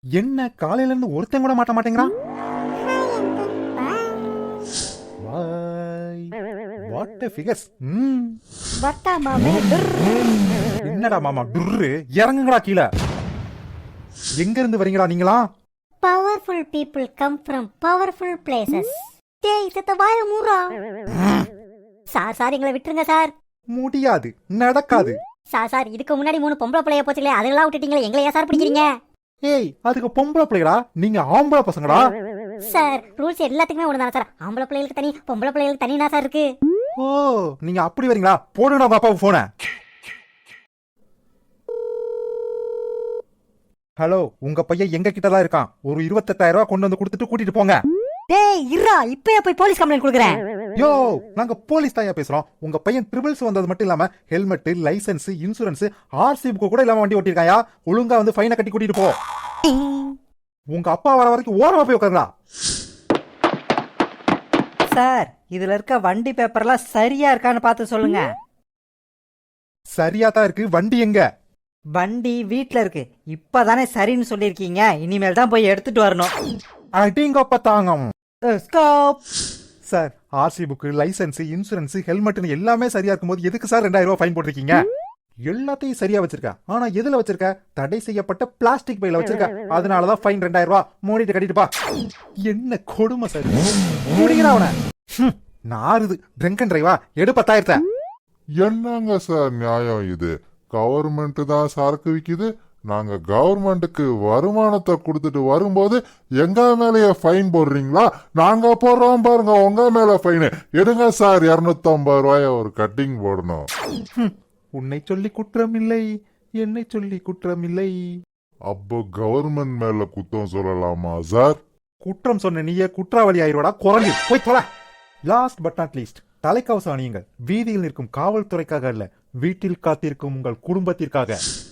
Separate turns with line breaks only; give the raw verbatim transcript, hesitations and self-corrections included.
என்ன காலையில இருந்து ஒருத்தன் கூட மாட்ட மாட்டேங்கிறான். What a figures. ம்
வட்டா மாமே.
என்னடா மாமா டுர்ரு, இறங்குங்கடா கீழ. எங்க இருந்து வரீங்கடா நீங்களா?
Powerful people come from powerful places. டேய் செத்த வாய மூடுறா. சார் சார் எங்களை விட்டுருங்க சார்.
முடியாது, நடக்காது.
சார் சார் இதுக்கு முன்னாடி மூணு பொம்பளை பிள்ளைய போச்சுங்களே, அதெல்லாம் விட்டுட்டீங்களே, எங்களை ஏன் சார் பிடிக்கிறீங்க?
ஏய் அதுக்கு பொம்பளை பிள்ளைகளா, நீங்க ஆம்பளை பசங்கடா.
சார் ரூல்ஸ் எல்லாத்துக்குமே ஒண்ணுதானே சார்? ஆம்பளை பிள்ளைகளுக்கு தனி, பொம்பளை பிள்ளைகளுக்கு தனினா சார் இருக்கு.
ஓ நீங்க அப்படி வரீங்களா? போடுங்கடா உங்க அப்பாவுக்கு போன. ஹலோ, உங்க பையன் எங்க கிட்ட தான் இருக்கான். ஒரு இருபத்தெட்டாயிரம் ரூபாய் கொண்டு வந்து கொடுத்துட்டு கூட்டிட்டு போங்க.
டேய் இருடா, இப்பயே போய் போலீஸ் கம்ப்ளைண்ட் கொடுக்குறேன்.
யோ நாங்க போலீஸ் தாயா பேசுறோம். உங்க பையன் ட்ரிபிள்ஸ் வந்தது மட்டும் இல்லாம helmet, license, insurance, RC book கூட இல்லாம வண்டி ஓட்டிருக்காயா. ஒழுங்கா வந்து ஃபைனை கட்டி கூட்டிட்டு போ. உங்க அப்பா வர வரைக்கும் ஓரமா போய் உட்காருடா.
சார் இதுல இருக்க வண்டி பேப்பர்லாம் சரியா இருக்கான்னு பார்த்து சொல்லுங்க.
சரியா தான் இருக்கு. வண்டி எங்க?
வண்டி வீட்ல இருக்கு. இப்பதானே சரின்னு சொல்லிருக்கீங்க, இனிமேல் தான் போய் எடுத்துட்டு வரணும்.
அடிங்கப்ப தாங்கம்.
Stop.
Sir RC book, license, insurance, ஹெல்மெட்னு எல்லாமே சரியா இருக்கும்போது எதுக்கு சார் ரெண்டாயிரம் ரூபாய் ஃபைன் போட்டிருக்கீங்க? எல்லாத்தையும் சரியா வச்சிருக்க, ஆனா எதுல வச்சிருக்க? தடை செய்யப்பட்ட பிளாஸ்டிக் பையில வச்சிருக்க. அதனாலதான் ஃபைன் ரெண்டாயிரம் ரூபாய். மூடிட்டு கட்டிட்டுப்பா. என்ன கொடுமை சார். முடிக்கிறா அவன. நாருது ட்ரிங்க் அண்ட் டிரைவா. எடு பத்தாயிரத்தை.
என்னங்க சார் நியாயம் இது? கவர்மெண்ட் தான் சரக்கு விக்குது, நாங்க கவர்மெண்ட்டுக்கு வருமானத்தை கொடுத்துட்டு வரும்போது எங்க மேலேயே ஃபைன் போடுறீங்களா? நாங்க போடுறோம் பாருங்க உங்க மேல ஃபைனு. எடுங்க சார், இருநூத்தி ஐம்பது ரூபாய ஒரு கட்டிங் போடணும்.
உன்னை சொல்லி குற்றம் இல்லை, என்னை சொல்லி குற்றம் இல்லை.
அப்போ கவர்மெண்ட் மேல குத்தம் சொல்லலாமா சார்?
குற்றம் சொன்ன நீயே குற்றவாளி ஆயிரோடா குரங்கு. போய் தொலை. லாஸ்ட் பட் நாட் லீஸ்ட், தலைக்கவசம் அணியுங்கள். வீதியில் நிற்கும் காவல்துறைக்காக அல்ல, வீட்டில் காத்திருக்கும் உங்கள் குடும்பத்திற்காக.